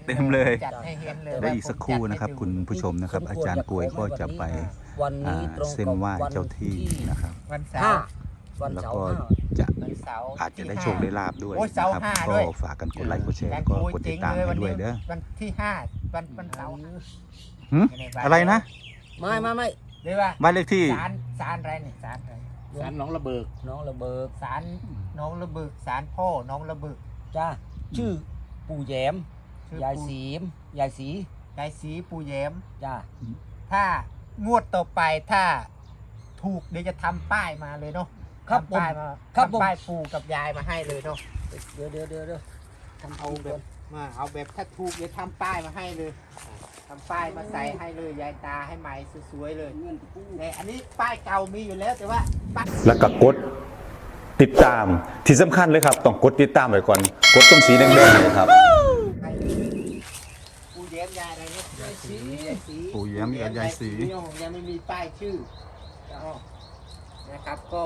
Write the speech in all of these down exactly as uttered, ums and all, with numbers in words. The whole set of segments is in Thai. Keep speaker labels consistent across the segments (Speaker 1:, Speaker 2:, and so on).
Speaker 1: เต็มเลย
Speaker 2: จัดให้เห็นเลย
Speaker 1: และอีกสักครู่นะครับคุณผู้ชมนะครับ อาจารย์กวยก็จะไปเส้นไหว้เจ้าที่นะครับ
Speaker 2: วันเสาร์
Speaker 1: แล้วก็จะ
Speaker 2: วันเสาร์
Speaker 1: อาจจะได้โชคได้ลาบด้วย
Speaker 2: โอ้ย
Speaker 1: นะ
Speaker 2: เสาร์
Speaker 1: ครับ
Speaker 2: ห้า
Speaker 1: ก็
Speaker 2: ด้วย
Speaker 1: ฝากกันกดไลค์กดแชร์แล้วก็กดติดตามให้ด้วยเด้อ
Speaker 2: วันที่ห้าวันวันเสาร์
Speaker 1: หึอะไรนะ
Speaker 3: ไม่ไม่ไม่
Speaker 2: หรือว่า
Speaker 1: บ้านเลขที่
Speaker 2: ศาลศาลอะไรเนี่ยศาลอะไร
Speaker 4: สารหน้องระเบิก
Speaker 3: น้องระเบิก
Speaker 2: ศาลน้องระเบิกศาลพ่อน้องระเบิก
Speaker 3: จ้าชื่อปู่แยม
Speaker 2: ชื่อย
Speaker 3: าย
Speaker 2: ปู่
Speaker 3: สีมยายสี
Speaker 2: ยายศรีปู่แย้ม
Speaker 3: จ้า
Speaker 2: ถ้างวดต่อไปถ้าถูกเดี๋ยวจะทำป้ายมาเลยเนาะ
Speaker 3: ครับผม
Speaker 2: ทำป้ายมา
Speaker 3: ครับผม
Speaker 2: ทำป้ายปู่กับยายมาให้เลยเนาะ
Speaker 3: เดี๋ยวเดี๋ยวเดี๋ยวเดี๋ยวทำ
Speaker 2: เอา
Speaker 3: เอา
Speaker 2: แบ
Speaker 3: แบบ
Speaker 2: บมาเอาแบบถ้าถูกเดี๋ยวทำป้ายมาให้เลยทำป้ายมาใส่ให้เลยยายตาให้ใหม่สวยๆเลย
Speaker 3: เงินปู่
Speaker 2: แต่อันนี้ป้ายเก่ามีอยู่แล้วแต่ว่าป้าย
Speaker 5: แล้วก็กดติดตามที่สำคัญเลยครับต้องกดติดตามไว้ก่อนกดตรงสีแดงๆเลยครับ
Speaker 2: ให้ปู่แย้มยายอะไรเนี่ยยายศรียายศรี
Speaker 1: ปู่แย้มกับยายศรี
Speaker 2: ยังไม่มีป้ายชื่อเอานะครับก็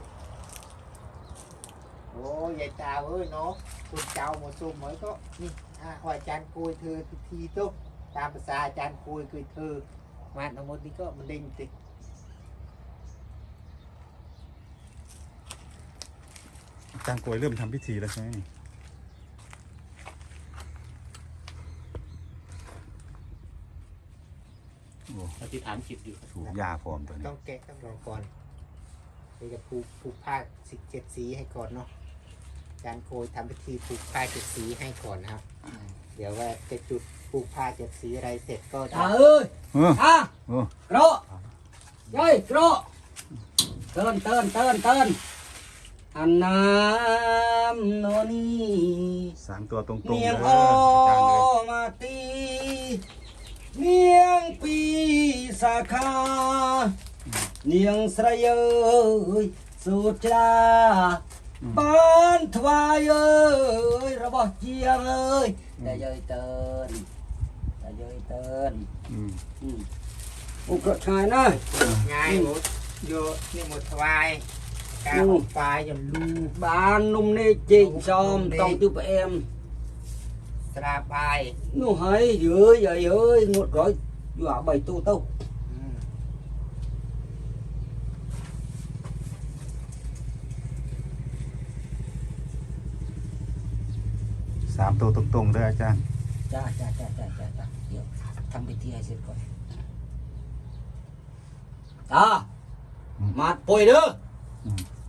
Speaker 2: โอ้ยายตาเอ้ยเนาะคุณเจ้าหมดซุ่มเหมือนก็นี่อ่าขออาจารย์คุยเธอทีตุ๊กตามภาษาอาจารย์คุยคือเธอมาทั้งหมดนี้ก็มันเด้งติ
Speaker 1: อาจารย์กวยเริ่มทำพิธีแล้วใช่ไหมโอ้
Speaker 4: อธิษฐานจิตอยู่
Speaker 1: ถูกยาพร้อมตัวนี้
Speaker 2: ต้องแกะต้องรอก่อนเดี๋ยวจะผูกผูกผ้าสิบเจ็ดสีให้ก่อนเนาะอาจารย์โคยทำพิธีผูกผ้าเจ็ดสีให้ก่อนนะครับ เดี๋ยวว่าจะจุดผูกผ้าเจ็ดสีอะไรเสร็จก็จะ
Speaker 3: ตาเอ้ย
Speaker 1: เออ
Speaker 3: อ่ะ
Speaker 1: เออก
Speaker 3: ระยายกระเตินเตินเตินเตินอันน้ำโนนี่
Speaker 1: สามตัวตรงๆเล
Speaker 3: เนีย
Speaker 1: ย
Speaker 3: ง
Speaker 1: อา
Speaker 3: อ
Speaker 1: จารย์เลย
Speaker 3: มาตีเนียงปีสาขาเนียงสระเยยสุดจาบ้านทวายเอ้ยระบอบเจียงเอ้ยแต่เยยเตินแต่เยยเติน
Speaker 1: อืม
Speaker 3: อืมอุกระชายนะ
Speaker 2: ง่ายหมดโยนี่หมดถวายกาบฟ้าอย่าลู
Speaker 3: บ้านนุ่มนี่จิงจอมต้องtiêuไปem
Speaker 2: สราบาย
Speaker 3: nó hay dưới giờ ơi một rồi dọa bảy tu tâu
Speaker 2: อืม
Speaker 1: สามตัวตรงๆเลยอาจารย์
Speaker 3: cha cha cha cha cha cha Hiểu. Thăm bị thi hay xịt coi à
Speaker 1: Ừ.
Speaker 3: mặt bồi nữa
Speaker 1: Ừ.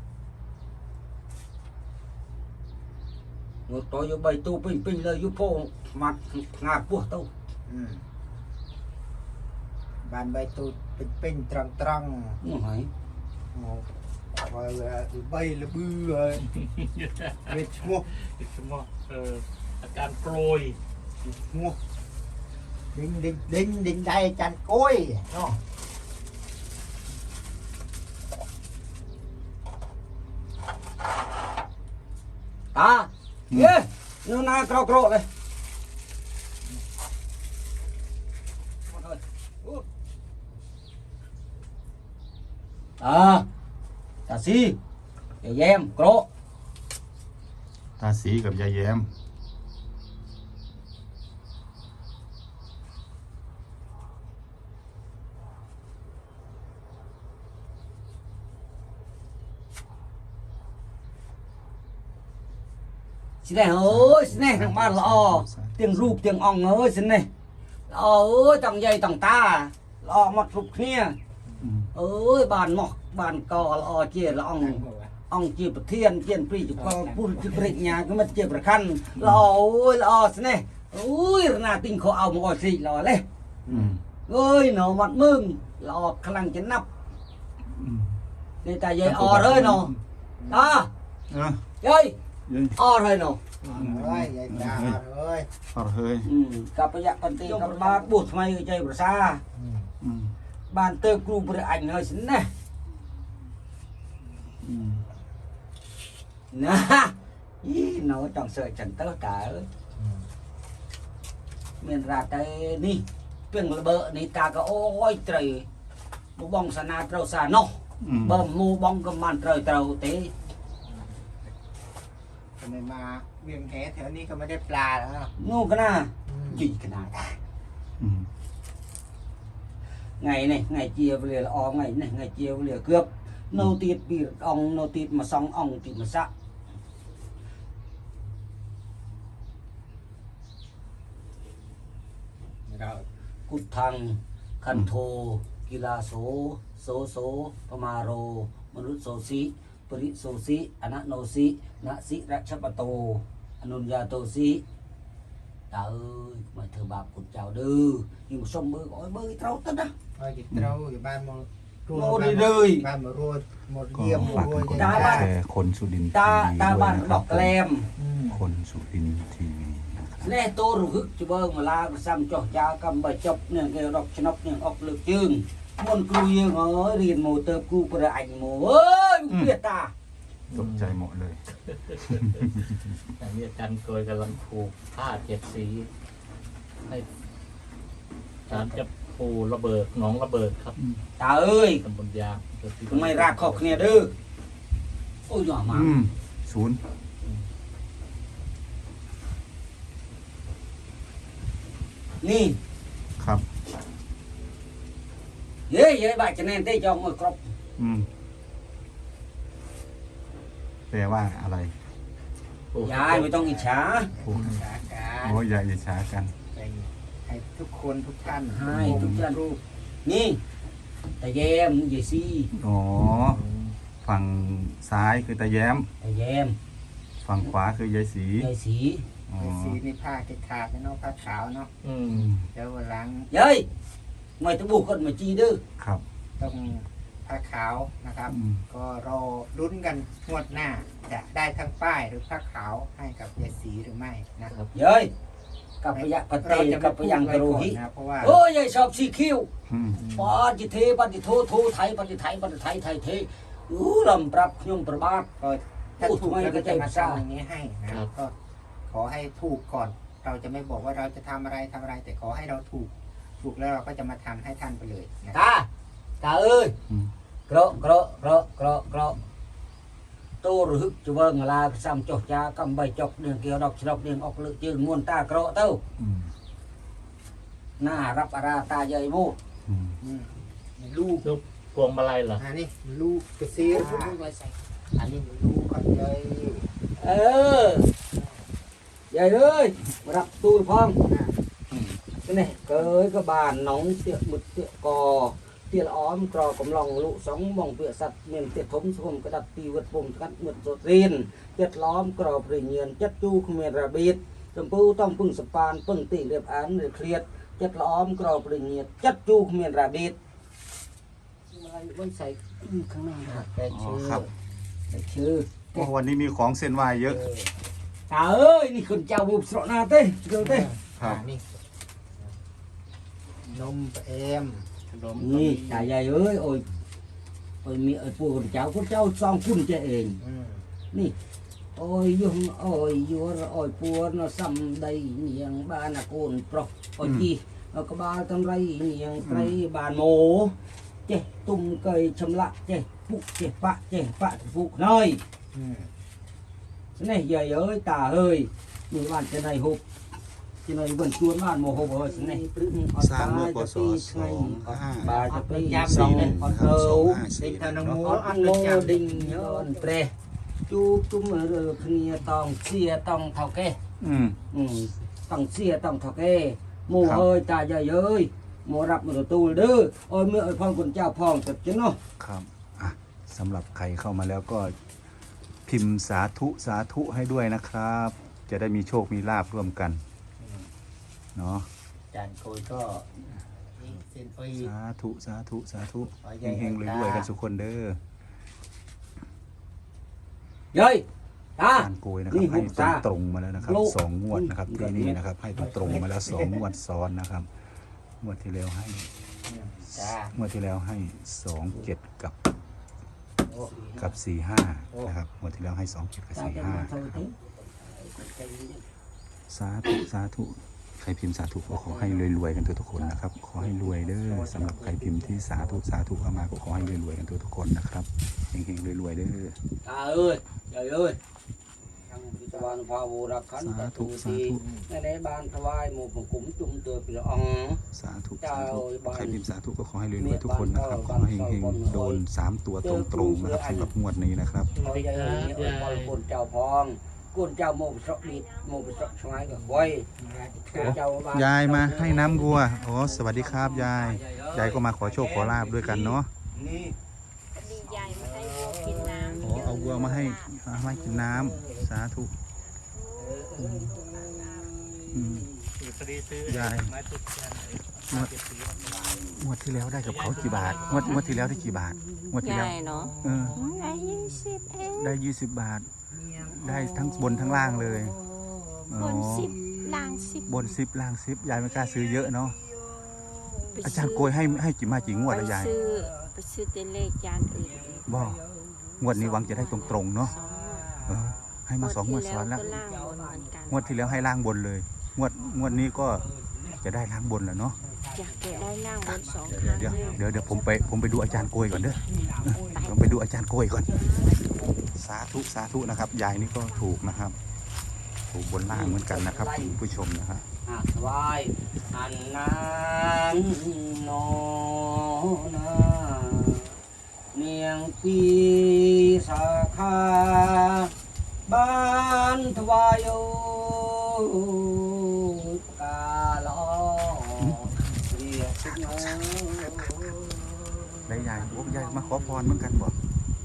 Speaker 3: một rồi vô bảy tu pin pin lời vô phô mặt ngạc buộc tâu
Speaker 2: อืมบานใบตูดเป็นเป็นตรังตรัง
Speaker 3: nó hay
Speaker 2: โอ้เอาไปเลยใบละบื้อเลยเวชมุก
Speaker 4: สมองเอ่ออาการโปรย
Speaker 2: มุกดิ่งดิ่งดิ่งดิ่งได้จันโก้ยเนาะ
Speaker 3: à yeah nó na cro cro đây à ta si để em cro
Speaker 1: ตาสีกับยายแย้ม
Speaker 3: xin này ơi xin này thằng ba lò tiếng rụp tiếng ong ơi xin này lò ơi tầng dây tầng ta lò mặt rụp kia
Speaker 1: อืม
Speaker 3: ơi bàn mọc bàn cò lò chia là ong ong chia bậc thiên chia pri chụp co pun chụp pri nhà cái mất chia bậc khăn lò ơi lò xin này ơi là tình khó ao một ngồi xị lò lên
Speaker 1: อืม
Speaker 3: ơi nó mặt mừng lò khăn cái nắp
Speaker 1: อืม
Speaker 3: nên ta dây o rồi nó đó
Speaker 1: เออ
Speaker 3: dây
Speaker 1: เยัย
Speaker 3: o rồi nó
Speaker 2: เอ้ยยายตาเอ้ย
Speaker 1: พอเฮ้ย
Speaker 3: ừ cặp bây giờ con tiền cặp ba bút mày chơi bữa xa
Speaker 1: อืม
Speaker 3: bàn tơ cru bữa ảnh hơi xính này
Speaker 1: อืม
Speaker 3: nè ý nó chẳng sợ chẳng tớ cả ơi miền ra tay đi tuyển là bờ này ta có ôi trời một bông sa na trâu sa nó
Speaker 1: อืม
Speaker 3: bơm mu bông cầm màn trời trâu tế
Speaker 2: ทำไมมาเวียงแหแถวนี้ก็ไม่ได้ปลาแล้วเนาะ
Speaker 3: ngu cái nào
Speaker 2: อืม
Speaker 3: จีขนาด
Speaker 1: อืม
Speaker 3: ngày này ngày chia về là o ngày này ngày chia về là cướp nô tiết bị ông nô tiết mà xong ông thì mà sắc
Speaker 2: rồi
Speaker 3: cút thăng khăn thô kỳ la số số số pamaro manut số sĩ prit số sĩ anak no sĩ nạ sĩ ra chấp bà tô anunya tô sĩ ta ơi mày thưa bà cút chào đư nhưng mà xong bơi gọi bơi trâu tất á
Speaker 2: thôi thì trâu thì ban một
Speaker 3: Một đi đời.
Speaker 2: ban một ruột một
Speaker 1: ก็
Speaker 2: diêm một
Speaker 1: ฝากกัน
Speaker 2: ruột
Speaker 1: กด
Speaker 3: ตา
Speaker 1: ไล
Speaker 3: บ้าน
Speaker 1: ค์แชร์คนสุรินทร์
Speaker 3: ตา
Speaker 1: ทีวี
Speaker 3: ตา
Speaker 1: ด้วย
Speaker 3: บ้าน
Speaker 1: นะค
Speaker 3: บ
Speaker 1: รั
Speaker 3: อบ กแกลม
Speaker 1: คนสุรินทร์ทีวีนะครับ
Speaker 3: แน่โตรู้ฮึกจะเบิ่งมาลาซ้ำจ่อยากำใบจบเนี่ยเกดอกชนกเนี่ยออกเลือกจึงมนครูยังเอ้ยเรียนโมเติบกูประอันโมเอ้ยเปียตา
Speaker 1: ตกใจหมดเลย
Speaker 4: อันนี้อาจารย์โกยกำลังผูกผ้าเจ็ดสีให้อาจารย์จะปูระเบิดหนองระเบิดครับ
Speaker 3: ตาเอ้ย
Speaker 4: ตำบลยาง
Speaker 3: ไม่รักขอกเนี่ยเด้อโอ้ยหน่อมา
Speaker 1: อืมศูนย์
Speaker 3: นี่
Speaker 1: ครับ
Speaker 3: เย้เย้บาดจะแน่นเต้จองมือกรอบ
Speaker 1: อืมแปลว่าอะไร
Speaker 3: ยายไม่ต้องอิจฉา
Speaker 1: พูด
Speaker 2: สาการ
Speaker 1: โอ้ยอย่าอิจฉากัน
Speaker 2: ให้ทุกคนทุกท่าน
Speaker 3: ให้ทุกท่านรู้นี่แต่แยมเยซี่
Speaker 1: อ๋อ ฝั่งซ้ายคือตาแย้ม
Speaker 3: แต่แยม
Speaker 1: ฝั่งขวาคือยายสี
Speaker 3: เยสี
Speaker 1: อ๋อ
Speaker 2: สีนี่ผ้าขาดๆเนาะผ้าขาวเนาะ
Speaker 4: อืม
Speaker 2: เดี๋ยววันหลัง
Speaker 3: เย้ยไม่ต้องบุกคนมาจีดื้อ
Speaker 1: ครับ
Speaker 2: ต้องผ้าขาวนะครับ
Speaker 1: อืม
Speaker 2: ก็รอลุ้นกันงวดหน้าจะได้ทั้งป้ายหรือผ้าขาวให้กับยายสีหรือไม่นะครับ
Speaker 3: เย้ยกับพยะปะเต
Speaker 2: เราจะ
Speaker 3: กับ
Speaker 2: ไม่
Speaker 3: พ
Speaker 2: พูด
Speaker 3: ยัง
Speaker 2: ไว้
Speaker 3: กระโร
Speaker 2: ก่อน
Speaker 3: หิ
Speaker 2: นะเพราะว่า
Speaker 3: โอ้ยยายชอบสีคิ้ว
Speaker 1: อืม
Speaker 3: ปอจิเทปฏิโทโทไทยปฏิไทยปฏิไทยไทยเทอู้ลำปรับยมประบาท
Speaker 2: ก็ถ้า
Speaker 3: พูด
Speaker 2: ถูก
Speaker 3: ไม่
Speaker 2: เรา
Speaker 3: ก็
Speaker 2: ก็
Speaker 3: ใจ
Speaker 2: จะ
Speaker 3: ภา
Speaker 2: มา
Speaker 3: ษา
Speaker 2: ทำอย่างนี้ให้นะครับก็ขอให้ถูกก่อน เราจะไม่บอกว่าเราจะทำอะไรทำอะไร แต่ขอให้เราถูก ถูกแล้วเราก็จะมาทำให้ท่านไปเลยนะ
Speaker 3: ตาตาเอ้ย
Speaker 1: อืม
Speaker 3: กระกระกระกระกระโตหรือจะเบิ่งลาซ้ำจอกจากำใบจอกเดืองเกี่ยวดอกฉลอกเดืองออกเลือจืดงวนตากระเต้า
Speaker 1: อืม
Speaker 3: หน้ารับอาราตาใหญ่โม
Speaker 1: อืม
Speaker 2: อืมลูก
Speaker 4: ลูกพวงมาลัยเหรอ
Speaker 2: อันนี้ลูกกระซีรอันนี้ลูกก่อนเลย
Speaker 3: เออใหญ่เอ้ยมารับตูนพร้อมcái này cái cái bàn nóng tiệm mực tiệm cò tiệm óm cò cầm lòng lụ sóng bỏng tiệm sạch miền tiệm thống xuống cái đặt tì vượt vùng cắt mượt rột riêng tiệm lõm cò bể nhiên chất chu không miền ra biết tầm pu tông pưng sập pan pưng tỉ điệp án để khliệt chất lõm cò bể nhiên chất chu không miền ra biết vẫnใส่ข้างหน้าแต่
Speaker 1: อ๋อ
Speaker 3: ชื่อ
Speaker 1: ครับ
Speaker 3: แต่ชื่อ
Speaker 1: โอ้วันนี้มีของเส้นไหว้เยอะ
Speaker 3: ตาเอ้ยนี่คนเจ้าบุบสระนาเต้เจ้าเต้
Speaker 1: ครับ
Speaker 2: อ่านี่นมเอม
Speaker 4: ขนม
Speaker 3: นี่ตาใหญ่เอ้ยโอ้ยโอ้ยมีไอ้ปู่คนเจ้าคนเจ้าซองคุณเจ้าเอง
Speaker 2: อืม
Speaker 3: นี่โอ้ยยุงโอ้ยยัวโอ้ยปัวnó xăm đầy niềng ba là cồn pro ôi chi nó có ba trong đây niềng cây bàn mồ chè tung cây châm lạ chè phụ chè phạ chè phạ phụ nơi
Speaker 2: อืม
Speaker 3: cái này giờ ơi tà ơi mình bàn cái này hộp cái này vẫn chuồn bàn mồ hộp rồi cái này
Speaker 1: สร้างเมื่อพศสองห้า
Speaker 3: bà cho cái giam
Speaker 1: สอง
Speaker 3: này
Speaker 1: นะ
Speaker 3: con
Speaker 1: ครับสอง
Speaker 3: thâu
Speaker 1: ห้าสี่
Speaker 2: ติดธน
Speaker 1: เนาะ
Speaker 2: มู
Speaker 3: อด
Speaker 2: อัด
Speaker 3: โล
Speaker 2: เลยจ้ะ
Speaker 3: ดิ่งย้อนเปรจูจุ่มเรือเคลียต้องเสียต้องเท่าแก่
Speaker 1: อืม
Speaker 3: อืมต้องเสียต้องเท่าแก่หมู่
Speaker 1: ครับ
Speaker 3: เอ้ยตาใหญ่เอ้ยหมู่รับมือตูเด้อโอ้ยเมื่อไอ้พ่อคุณเจ้าพ่องตัดจิเนาะ
Speaker 1: ครับอ่ะสำหรับใครเข้ามาแล้วก็พิมพ์สาธุสาธุให้ด้วยนะครับ จะได้มีโชคมีลาบร่วมกันเนาะ
Speaker 3: จานโกยก็
Speaker 2: นี่เส้นโอ้ย
Speaker 1: สาธุสาธุสาธุ
Speaker 2: ขอใหญ่
Speaker 1: เฮงๆรวยๆกันทุกคนเด้อ
Speaker 3: เย้ยตา
Speaker 1: การโกยนะครับ
Speaker 3: นี่
Speaker 1: ให้
Speaker 3: หุบ
Speaker 1: ตรง
Speaker 3: ตา
Speaker 1: ตรงๆมาแล้วนะครับ
Speaker 3: โล
Speaker 1: สองงวดนะครับ
Speaker 3: อืม
Speaker 1: ที่นี่นะครับ ให้ตรงตรงๆมาแล้วสองงวดซ้อนนะครับงวดที่แล้วให้
Speaker 2: จ้าง
Speaker 1: วดที่แล้วให้สองเจ็ดกับ
Speaker 2: โอ้
Speaker 1: กับสี่ห้านะครับงวดที่แล้วให้สองเจ็ดกับ
Speaker 3: ตา
Speaker 1: สี่
Speaker 3: จะ
Speaker 1: ห้า
Speaker 3: มาเท่าไหร่
Speaker 1: สาธุสาธุใครพิมพ์สาธุก็ขอให้รวยๆกันทุกๆคนนะครับ ขอให้รวยเด้อสำหรับใครพิมพ์ที่สาธุสาธุเข้ามาก็ขอให้รวยๆกันทุกๆคนนะครับเฮงๆรวยๆเด้อ
Speaker 3: ตาเอ้ยใหญ่เอ้ยทำพิจวรรณภาวุรักขัน
Speaker 1: สา
Speaker 3: ต
Speaker 1: ธุ
Speaker 3: ตุ
Speaker 1: สา
Speaker 3: สี
Speaker 1: ธุ
Speaker 3: ในในบ้านถวายหมู่ของกุมจุ่มตัวเปลือกอ่อง
Speaker 1: สาธุสาธุใครพิมพ์สาธุก็ขอให้รวยๆทุกคนนะครับขอให้เฮงๆโดนสามตัวตรงๆนะครับสำหรับงวดนี้นะครับ
Speaker 3: เขาจะเห็นเนี่ยบอลกุนเจ้าพองกุนเจ้าโมบสกดิดโมบสกชงายกับไว้เจ้าบ้น
Speaker 1: ยายมาให้น้ำวัวอ๋อสวัสดีครับยายยายก็มาขอโชคขอลาบด้วยกันเนาะ
Speaker 3: นี่
Speaker 6: ดีใจมาให้วัวกินน้ำ
Speaker 1: อ๋อเอาวัวมาให้มาให้กินน้ำสาธุอืม
Speaker 4: อยู่พอดีซื้อย
Speaker 1: าย
Speaker 4: ไม้ทุกแกนไอ้
Speaker 1: งวด
Speaker 4: เจ็ดสี
Speaker 1: งวดที่แล้วได้กับเขากี่บาทงวดงวดที่แล้วได้กี่บาทงวดที่
Speaker 6: ให
Speaker 1: แล้ว
Speaker 6: ญ่เนาะ
Speaker 1: เออ
Speaker 6: ได้ยี่สิบเอง
Speaker 1: ได้ยี่สิบบาท ได้ทั้งบนทั้งล่างเลยอ๋
Speaker 6: บ
Speaker 1: อน
Speaker 6: สิบล่างสิบบ
Speaker 1: นสิบล่างสิบยายไม่กล้าซื้อเยอะเนาะ
Speaker 6: ไป
Speaker 1: อาจารย์โกยให้ให้กี่มากี่งวด
Speaker 6: ไป
Speaker 1: แล้วยาย
Speaker 6: ซื้อไปซื้อเตเลขจานอื่น
Speaker 1: บ่งวดนี้หวังจะได้ตรงๆเนาะ
Speaker 6: สอง
Speaker 1: เออให้มาสองงวดซ้อนแล้ว
Speaker 6: ก็ล่างบนเหมือนกัน
Speaker 1: งวดที่แล้วให้ล่างบนเลย งวดงวดนี้ก็จะได้ล่างบนแล้วเนาะ
Speaker 6: อยากจะได้ล่างบนสองค
Speaker 1: เดี๋ยว
Speaker 6: รั้ง
Speaker 1: เดี๋ยวเดี๋ยวเดี๋ยวผมไปผมไปดูอาจารย์โกยก่อนเด้อเออผมไปดูอาจารย์โกยก่อน สาธุสาธุนะครับ ยายนี่ก็ถูกนะครับ ถูกบนล่างเหมือนกันนะครับคุณผู้ชมนะครับ
Speaker 3: อ่ะถวายอันนั้นนอนาเนียงปีสาขาบ้านถวายโอกาลอเรียกสิเนอ
Speaker 1: ได้ยายโอ้ยายมาขอพรเหมือนกันบอก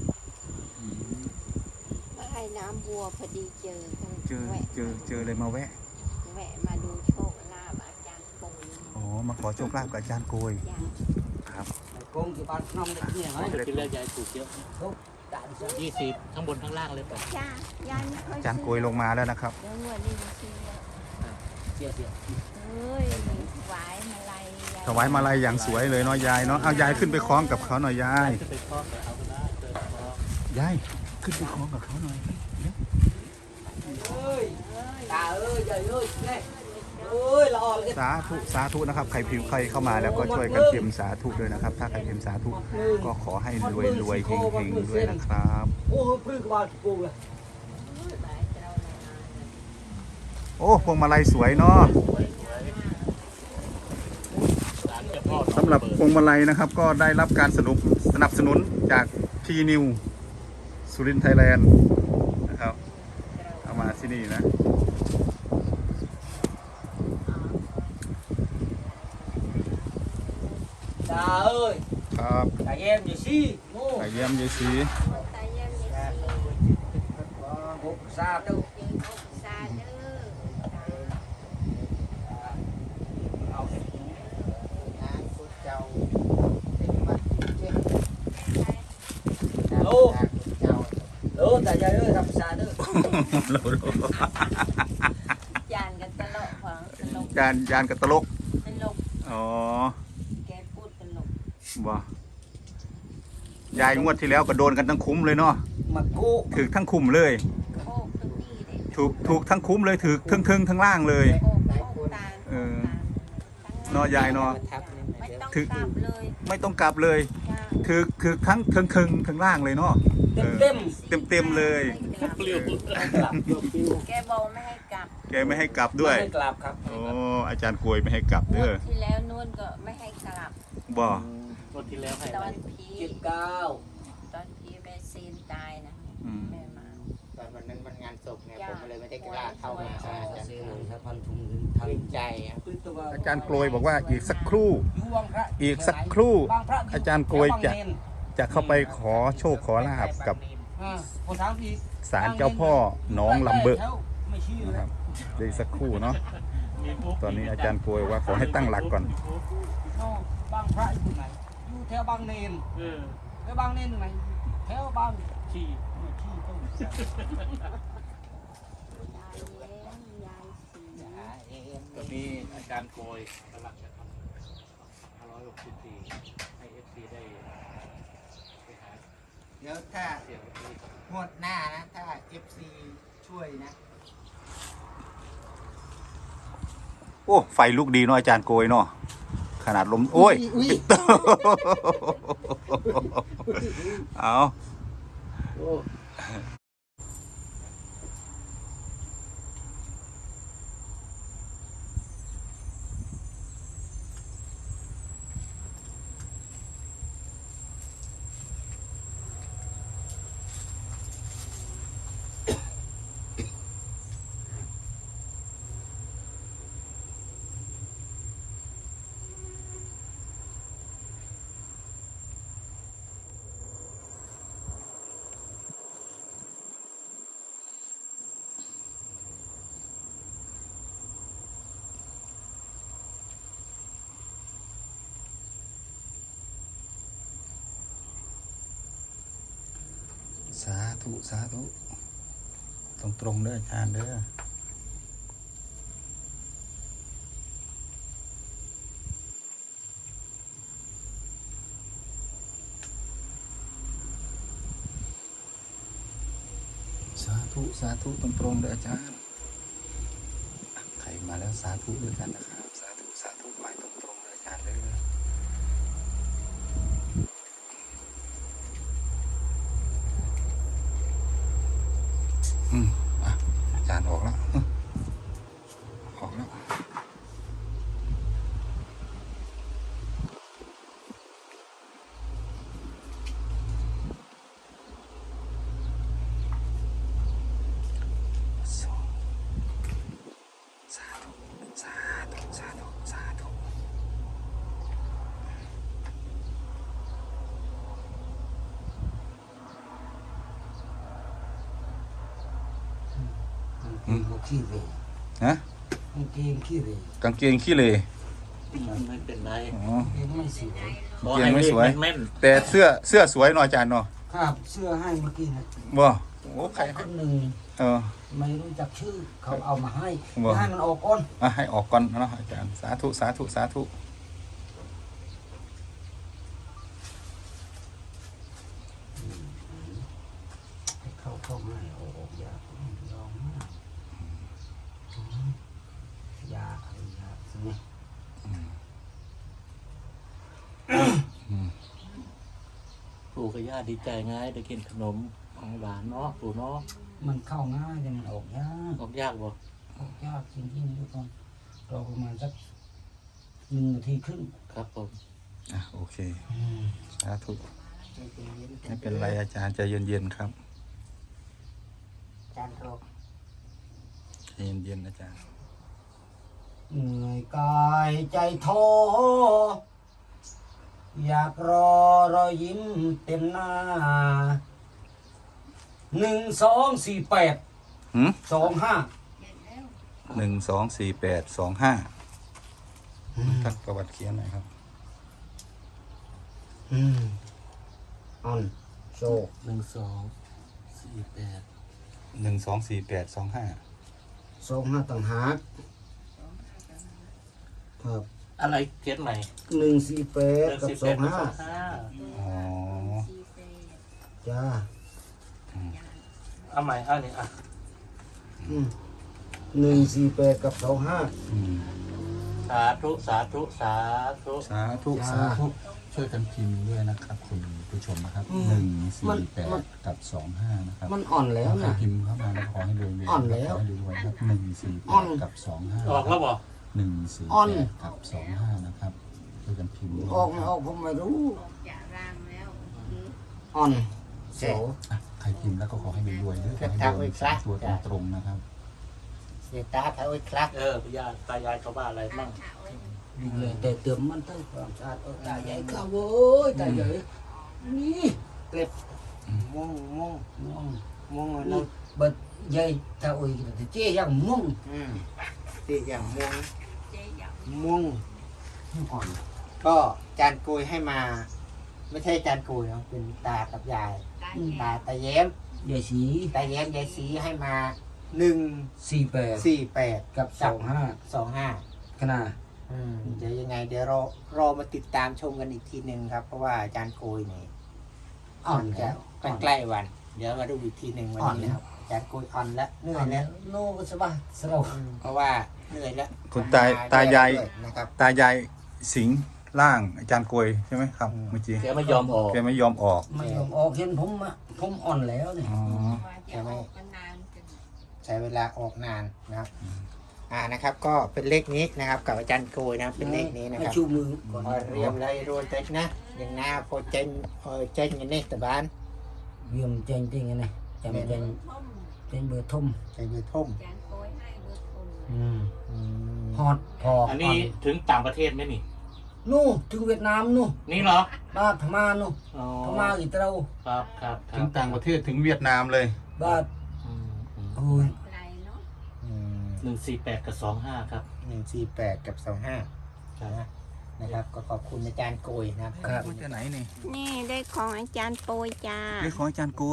Speaker 6: มาให้น้ำวัวพอดีเจอกัน
Speaker 1: เจอ
Speaker 6: แวะ
Speaker 1: เจอเจอเลยมาแวะ
Speaker 6: แวะมาดูโชคลาภอาจารย์ปู
Speaker 1: อ๋อมาขอโชคลาภกับอาจารย์โกย
Speaker 6: อย่าง
Speaker 1: ครับ
Speaker 3: คงจะบ้านน้องเด็กเนี่ย
Speaker 4: ไม้
Speaker 3: เฮ้ย
Speaker 4: ที่แล้วยายถูกเยอะ
Speaker 3: ด่านซะ
Speaker 4: ยี่สิบทั้งบนทั้งล่างเลยป่ะ
Speaker 6: จ้ายายไม่ค่อย
Speaker 1: อาจารย์โกยลงมาแล้วนะครับ
Speaker 6: เดี๋ยวงวดนี้จะซื้อแล้ว
Speaker 3: เสียเสีย
Speaker 6: เฮ้ยถวายมาลัยยาย
Speaker 1: ถวายมาลัยอย่างสวยเลยเนาะยายเนาะเอายายขึ้นไปคล้องกับเขาหน่อยยาย
Speaker 4: จะไปคล้องแต่เอาก็ได้เจอคล้อง
Speaker 1: ยายขึ้นไปคล้องกับเขาหน่อยเร็ว
Speaker 3: เอ้ยตาเอ้ยใหญ่เอ้ยเนี่ยเอ้ยละอ่อนเลย
Speaker 1: สาธุสาธุนะครับใครพิมพ์ใครเข้ามาแล้วก็ช่วยกันพิมพ์สาธุด้วยนะครับ ถ้าใครพิมพ์สาธุก็ขอให้รวยรวยๆเฮงเฮงๆด้วยนะครับ
Speaker 3: โอ้ยปลื้มกบาลปูเลย
Speaker 1: โอ้พวงมาลัยสวยเนาะ
Speaker 4: ศาลเจ้าพ่อ
Speaker 1: สำหรับพวงมาลัยนะครับ ก็ได้รับการสนับสนับสนุนจากทีนิวสุรินทร์ไทยแลนด์นะครับเอามาที่นี่นะ
Speaker 3: ตาเอ้ย
Speaker 1: ครับ
Speaker 3: ตาเยี่ยมอยู่สิโง่
Speaker 1: ไปเยี่ยมยายศรี
Speaker 6: ตายยังมีสี
Speaker 3: หกสามดู
Speaker 6: เจออกซาเด้อ
Speaker 3: เอา
Speaker 2: นะคุณเจ้าเป็นวัดเจ็ด
Speaker 3: โอ้
Speaker 2: เจ้า
Speaker 3: โอ้ตาใหญ่เอ้ยทำซาเด้อ
Speaker 6: จานกันตลกฟังตลก
Speaker 1: ยานยานกับตลก
Speaker 6: ตลก
Speaker 1: อ๋อ
Speaker 6: แกพูดตลก
Speaker 1: บ่ยายงวดที่แล้วก็โดนกันทั้งคุ้มเลยเนาะ
Speaker 3: มากู
Speaker 1: ถือทั้งคุ้มเลย
Speaker 6: โคกตรงนี้เลย
Speaker 1: ถูกถูกทั้งคุ้มเลยถือทั้งทึงทั้งล่างเลย
Speaker 6: โคกโคกตาล
Speaker 1: เออ เนาะยายเนาะ
Speaker 2: ทับนี่
Speaker 6: ไม่
Speaker 2: เดี๋ยว
Speaker 6: ต้อง
Speaker 1: ถือ
Speaker 6: กลับเลย
Speaker 1: ไม่ต้องกลับเลย
Speaker 6: จ้า
Speaker 1: ถือคือทั้งทึงทึงทั้งล่างเลยเนาะ
Speaker 3: เต็มเต็ม
Speaker 1: เต็มเต็มๆเลย
Speaker 4: เปลี่ยว
Speaker 3: กลับโยปิว
Speaker 6: แกบอกไม่ให้กลับ
Speaker 1: แกไม่ให้กลับด้วย
Speaker 3: ไม่กลับครับ
Speaker 1: โอ้อาจารย์กลวยไม่ให้กลับ
Speaker 6: ง
Speaker 1: เด้
Speaker 6: ว
Speaker 1: อ
Speaker 6: ดที่แล้วนวลก็ไม่ให้กลับ
Speaker 1: บ่
Speaker 4: วันที่แล้วให้
Speaker 6: ต
Speaker 4: อะ
Speaker 6: อ
Speaker 4: ไร
Speaker 6: นพี
Speaker 3: เจ็ดเก้า
Speaker 6: ตอนพีแม่ซีนตายนะ
Speaker 1: อืม
Speaker 6: แม่มา
Speaker 2: ตอนวันนั้นมันงานศพไงผมเลยไม่ได้กล้าเข้ามาอาจารย์
Speaker 3: เสียงสะพันธุง
Speaker 2: เกรงใจอ่ะ
Speaker 1: อาจารย์กลวยบอกว่าอีกสักครู่
Speaker 3: อยู่วังพระ
Speaker 1: อีกสักครู่
Speaker 3: บางพระ
Speaker 1: อาจารย์กลวยจะ
Speaker 3: บางเนร
Speaker 1: จะเข้าไปขอโชคขอลาบกับ
Speaker 3: อ่าคนถามอีก
Speaker 1: ศาลเจ้าพ่อหนองลำเบิก
Speaker 3: ไม่เชื่อ
Speaker 1: นะครับเดี๋ยวอีกสักครู่เนาะ
Speaker 4: มีปุ๊บ
Speaker 1: ตอนนี้อาจารย์กลวยว่าขอให้ตั้งหลักก่อน
Speaker 3: โน่บางพระอยู่ไหนอยู่แถวบางเนน
Speaker 4: เออ
Speaker 3: แถวบางเนนอยู่ไหนแถวบาง
Speaker 4: ขี้
Speaker 3: ที่ต้น
Speaker 6: ยายเลี้ยงยายสี
Speaker 4: ตอนนี้อาจารย์โกยกำลังจะทำห้าร้อยหกสิบสี่ให้เอฟซีได้ไปหา
Speaker 2: เดี๋ยวถ้า
Speaker 4: เสียงที่
Speaker 2: งวดหน้านะ ถ้า เอฟ ซี ช่วยนะ
Speaker 1: โอ้ไฟลุกดีเนาะอาจารย์โกยเนาะขนาดลมโอ้ย เอาสาธุสาธุตรงตรงๆเด้ออาจารย์เด้อสาธุสาธุตรงตรงๆเด้ออาจารย์ใครมาแล้วสาธุด้วยกันนะครับสาธุสาธุไปตรงตรงๆเด้ออาจารย์เด้ออืมอ่ะอาจารย์ออกแล้วอืมออกแล้วสองสาธุสาธุสาธุสาธุ
Speaker 3: กางเกงก็ขี้เหร่
Speaker 1: ฮะ
Speaker 3: กางเกงขี้เหร่
Speaker 1: กางเกงขี้เหร่
Speaker 4: ไม่เป็นไร
Speaker 1: อ๋อ
Speaker 3: เกงไม่สวย
Speaker 4: ขอให้เลขแม่น
Speaker 1: แต่เสื้อเสื้อสวยเนาะอาจารย์เนาะ
Speaker 3: ครับเสื้อให้เมื่อกี้นะ
Speaker 1: บ่โอ้ใคร
Speaker 3: คนหนึ่ง
Speaker 1: เออ
Speaker 3: ไม่รู้จักชื่อเขาเอามาให้
Speaker 1: ว่า
Speaker 3: ให้มันออกก่อน
Speaker 1: อ่ะให้ออกก่อนเนาะอาจารย์สาธุสาธุสาธุ
Speaker 3: ให้เข้าเข้าให้ออกออกยากยอมมากยาอะไรยาใช่ไหม
Speaker 4: ปู่กับย่าดีใจง่ายได้กินขนมของหวานเนาะปู่เนาะ
Speaker 3: มันเข้าง่ายแต่มันออกยาก
Speaker 4: ออกยากบ่
Speaker 3: ออกยากจริงๆทุกคนรอประมาณสักหนึ่งนาทีครึ่ง
Speaker 4: ครับผม
Speaker 1: อ่ะโอเคสาธุ
Speaker 2: ไม่เป็นเย็น
Speaker 1: ไม่เป็นไรอาจารย์ใจเย็นๆครับ
Speaker 2: อาจารย์โทร
Speaker 1: ใจเย็นๆอาจารย์
Speaker 3: เหนื่อยกายใจท้ออยากรอรอยยิ้มเต็มหน้าหนึ่งสองสี่แปด
Speaker 1: หืม
Speaker 3: สองห้า
Speaker 1: หนึ่งสองสี่แปดสองห้าทักประวัติเขียนหน่อยครับ
Speaker 3: อืมออนโชว์
Speaker 4: หนึ่งสองสี่แปด
Speaker 1: หนึ่งสองสี่แปดสองห้า
Speaker 3: สองห้าต่างหากครับ
Speaker 4: อะไรเขียนใหม่
Speaker 3: หนึ่งสี่แปด
Speaker 4: เดือน
Speaker 3: กับ
Speaker 4: สิบ
Speaker 3: ส
Speaker 4: แป
Speaker 3: อ
Speaker 4: ด
Speaker 3: ง
Speaker 4: กับ
Speaker 3: ห้า
Speaker 4: สองห้า
Speaker 1: อ๋อ
Speaker 3: จ้า
Speaker 4: เอาใหม่เอานี่อ่ะ
Speaker 3: อืมหนึ่งสี่แปดกับสองห้า
Speaker 1: อืม
Speaker 4: สาธุสาธุสาธุ
Speaker 1: สาธุ
Speaker 3: จ้า
Speaker 1: สาธุช่วยกันพิมพ์ด้วยนะครับคุณผู้ชมนะครับหนึ่งสี่แปดกับสองห้านะครับ
Speaker 3: มันอ่อนแล้ว
Speaker 1: ใคร
Speaker 3: นะ
Speaker 1: พิมพ์เข้ามาแล้วขอให้รวยๆ
Speaker 3: อ่อนแล้ว
Speaker 1: ขอให้รวยๆครับหนึ่งสี่แป
Speaker 3: อ่อ
Speaker 1: ด
Speaker 3: น
Speaker 1: กับสองห้า
Speaker 4: ออกแล้วบ่
Speaker 1: หนึ่งสี่
Speaker 3: อ่อน
Speaker 1: แปดกับสองห้านะครับช่วยกันพิมพ์ด้วย
Speaker 3: ออก
Speaker 1: นะ
Speaker 3: ไม่
Speaker 1: ค
Speaker 3: อ
Speaker 1: รั
Speaker 3: อบ กผมไม่รู้
Speaker 6: จะร่างแล้วเมื่อกี้
Speaker 3: อ่อนโส
Speaker 1: อ่ะใครพิมพ์แล้วก็ขอให้รวยๆด้วยขอให้รวยสามตัวตรงๆนะครับ
Speaker 2: เดี๋ยวตาเท้าไอ้คลัก
Speaker 4: เออพญาตายายเขาว่าอะไรบ้าง
Speaker 3: ดูเลยแต่เติมมันเติมความสะอาดเออตาใหญ่ข้าวเว้ยตาใหญ่นี่เกล็บ
Speaker 2: ม่วงม่วง
Speaker 3: ม่วง
Speaker 2: ม่วงอะไร
Speaker 3: นี่เบิดใหญ่ตาอุ้ยแต่เจ๊ยังม่วง
Speaker 2: อืมตีอย่างม่วง
Speaker 6: เจ๊อยาก
Speaker 2: ม่วง
Speaker 3: อ่อน
Speaker 2: ก็จานกุยให้มา ไม่ใช่จานกุยเนาะเป็นตากับยาย
Speaker 6: ได้
Speaker 2: ตาตาแย้ม
Speaker 3: ใหญ่สี
Speaker 2: ตาแย้มยายสีให้มาหนึ่ง
Speaker 3: สี่แปด
Speaker 2: สี่แปด
Speaker 3: กับสองห้า
Speaker 2: สองห้า
Speaker 3: ขนาด
Speaker 2: อืมเดี๋ยวยังไง เดี๋ยวรอรอมาติดตามชมกันอีกทีหนึ่งครับ เพราะว่าอาจารย์โกยนี่
Speaker 3: อ่อน
Speaker 2: จะ
Speaker 3: แล้ว
Speaker 2: ใกล้ๆวัน เดี๋ยวมาดูอีกทีหนึ่งวันนี้นะครับอาจารย์โกยอ่อนแล้วเหนื่อยแล้ว
Speaker 3: โน่ก็สบายสลบ
Speaker 2: อืมเพราะว่าเหนื่อยแล้ว
Speaker 1: คุณตาตายาย
Speaker 2: ด้วยนะครับ
Speaker 1: ตายายสิงร่างอาจารย์กวยใช่ไหมครับ
Speaker 2: อืม
Speaker 1: เมื่อกี้
Speaker 4: แกไม่ยอมออก
Speaker 1: แกไม่ยอมออก
Speaker 3: ไม่ยอมออกเห็นผมอะผมอ่อนแล้วเนี่ย
Speaker 1: อ๋อ
Speaker 6: ว่าจะออกกันนานจน
Speaker 2: ใช้เวลาออกนานนะครับ อ่านะครับ ก็เป็นเลขนี้นะครับ กับอาจารย์โกยนะครับเป็นเลขนี้นะค
Speaker 3: ให้
Speaker 2: รับ
Speaker 3: ชูมือก่อน
Speaker 2: พอเรียมเลยรวนเต็กนะอย่างหน้าพอเจนพอเจนกันนี่ตะบาน
Speaker 3: เยี่ยมเจงจริงไงเนี่ยจำเจง
Speaker 6: ท่ม
Speaker 3: เจงเบอร์ทุ่ม
Speaker 2: ใจเบือท่ม
Speaker 6: จานโกยให้เบอร์ทุ่ม
Speaker 3: อืม
Speaker 2: อืม
Speaker 3: ฮอตพอ
Speaker 4: อั
Speaker 3: อั
Speaker 4: นนี้ถึงต่างประเทศไหมนี่
Speaker 3: นู่นถึงเวียดนามนู่น
Speaker 4: นี่เหรอ
Speaker 3: บ้านพม่านู่น
Speaker 4: อ๋อ
Speaker 3: พม่าอีเตรา
Speaker 4: ครับครับค
Speaker 1: ถึ
Speaker 4: รั
Speaker 1: ง
Speaker 4: บ
Speaker 1: ต่างประเทศถึงเวียดนามเลย
Speaker 3: บ้าน
Speaker 4: อืมอืม
Speaker 3: โอ้ย
Speaker 6: ไกลเนาะ
Speaker 2: อืม
Speaker 4: หนึ่งสี่แปดกับสองห้าครับ
Speaker 2: หนึ่งสี่แปดกับสองห้านะนะครับ ก็ขอบคุณอาจารย์โกยนะครับ
Speaker 1: มาจากไหนนี่
Speaker 6: นี่ได้ของอาจารย์โปยจ้า
Speaker 1: เรื่องของอาจารย์โกย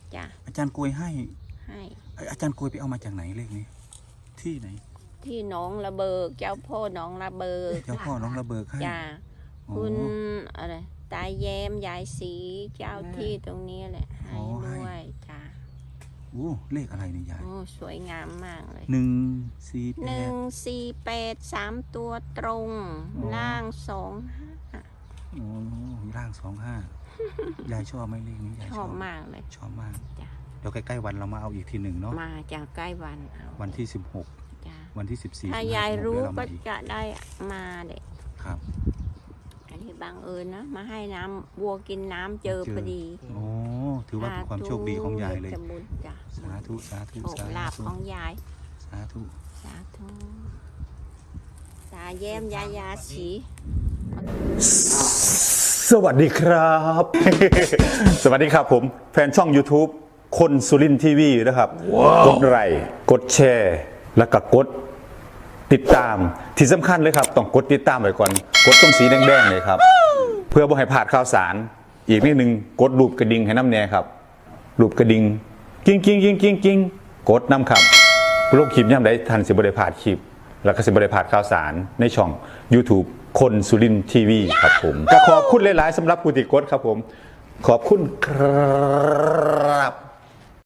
Speaker 6: จ้ะ
Speaker 1: อาจารย์กวยให้
Speaker 6: ให้
Speaker 1: อาจารย์กวยไปเอามาจากไหนเลขนี้ ที่ไหน
Speaker 6: ที่หน้องระเบิกเจ้าพ่อหน้องระเบิก
Speaker 1: เจ้าพ่อน้องระเบิกให้
Speaker 6: จ้ะ
Speaker 1: อ๋อ
Speaker 6: คุณอะไรตาแย้มยายสีเจ้าที่ตรงนี้แหละให้
Speaker 1: อ๋อให้
Speaker 6: ด้วยจ้ะ
Speaker 1: โอ้เลขอะไรเนี่ยยาย
Speaker 6: โอ้สวยงามมากเลย
Speaker 1: หนึ่งสี่แป
Speaker 6: หนึ่
Speaker 1: ด
Speaker 6: งสี่แปดสามตัวตรง
Speaker 1: อ๋อ
Speaker 6: ล่างสองห้า
Speaker 1: โอ้ร่างสองห้ายายชอบไหมเลขนี้ยาย
Speaker 6: ช
Speaker 1: ช
Speaker 6: อ
Speaker 1: อ
Speaker 6: บบ มากเลย
Speaker 1: ชอบมาก
Speaker 6: จ้ะ
Speaker 1: เดี๋ยวใกล้ๆวันเรามาเอาอีกทีหนึ่งเนาะ
Speaker 6: มาจากใกล้วันเอา
Speaker 1: วันที่สิบหก
Speaker 6: จ้ะ
Speaker 1: วันที่สิบสี่
Speaker 6: ถ้ายายรู้
Speaker 1: เดี๋วเา
Speaker 6: ก็
Speaker 1: มาอีก
Speaker 6: จะได้มาเด็ก
Speaker 1: ครับ
Speaker 6: อันนี้บังเอิญนะ มาให้น้ำวัวกินน้ำเจอ
Speaker 1: เจอ
Speaker 6: พอดี
Speaker 1: โอ้ถือว่าเป็นความโชคดีของยายเลย
Speaker 6: จะบุญจ้ะ
Speaker 1: สาธุสาธุ
Speaker 6: โชค
Speaker 1: สา
Speaker 6: ลาภ
Speaker 1: ธุ
Speaker 6: ของยาย
Speaker 1: สาธุ
Speaker 6: สาธุตาแย้มยายาสี
Speaker 5: สวัสดีครับ สวัสดีครับผมแฟนช่อง YouTube คนสุรินทีวีนะครับ กดไลค์กดแชร์ แล้วก็กดติดตามที่สำคัญเลยครับ ต้องกดติดตามไว้ก่อน กดตรงสีแดงๆเลยครับ เพื่อบ่ให้พลาดข่าวสาร อีกนิดนึงกดรูปกระดิ่งให้น้ำแน่ครับรูปกระดิ่งกิ้งกิ้งกิ้งกิ้งกิ้งกดน้ำครับโลกคลิปย่ำได้ทันสิบริพลาดคลิป แล้วก็สิบริพลาดข่าวสารในช่อง YouTube คนสุรินทีวีครับผมก็ขอบคุณหลายๆสำหรับผู้ติดกดครับผม ขอบคุณครับ